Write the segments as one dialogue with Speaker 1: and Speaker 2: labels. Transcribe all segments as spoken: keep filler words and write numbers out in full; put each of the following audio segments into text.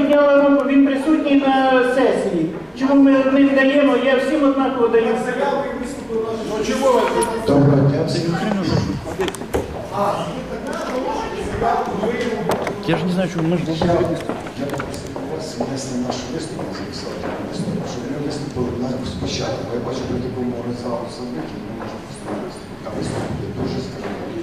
Speaker 1: підняла руку, він присутній на сесії. Чому ми не даємо, я всім однаково даю.
Speaker 2: Ну чого ви?
Speaker 3: Доброго дня.
Speaker 4: Я ж не знаю, чому ми ж
Speaker 3: Я попросив вас внести наш виступ, записати виступ, щоб ми виступили на спочатку. Я бачу, при такому залу садики ми можемо просто виступити. А виступ буде дуже скажімо.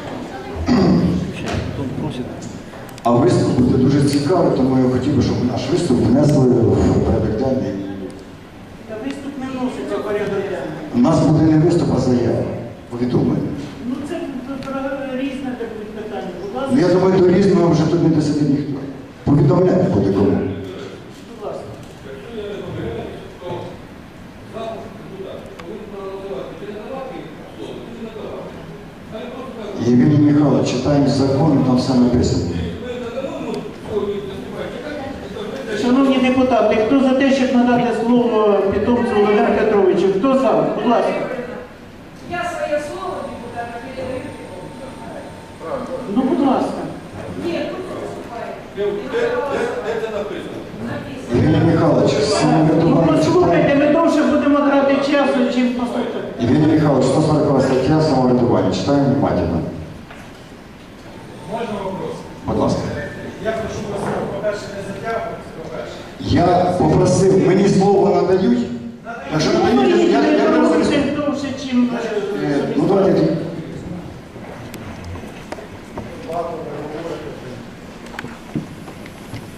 Speaker 3: А виступ буде дуже цікавий, тому я хотів би, щоб наш виступ внесли в порядок денний.
Speaker 1: Та виступ не вноситься в порядок денний.
Speaker 3: У нас буде не виступ, а заява. Повідомлення.
Speaker 1: Ну це різне таке питання. Будь ласка.
Speaker 3: Ну, я думаю, до різного вже тут не досидить ніхто. Повідомляти буде кому.
Speaker 1: Будь ласка.
Speaker 3: Євгеній Михайлович, читаємо закон, там все написано.
Speaker 1: Шановні депутати, хто за те, щоб надати слово питомцю Володимиру Петровичу? Хто за? Будь ласка.
Speaker 5: Я своє слово депутата передаю.
Speaker 1: Ну, будь ласка.
Speaker 5: Ні, тут виступає.
Speaker 2: Це написано.
Speaker 3: Євгеній Михайлович,
Speaker 1: Ну,
Speaker 3: самоврядування
Speaker 1: послухайте,
Speaker 3: читаємо.
Speaker 1: ми довше будемо грати часу, чим послухати.
Speaker 3: Євгеній Михайлович, сто сорокова стаття самоврядування. Читаємо внимательно.
Speaker 2: Можна вопрос?
Speaker 3: Будь ласка.
Speaker 2: Я прошу вас, по-перше, не затягувати, по-перше.
Speaker 3: Я попросив, мені слово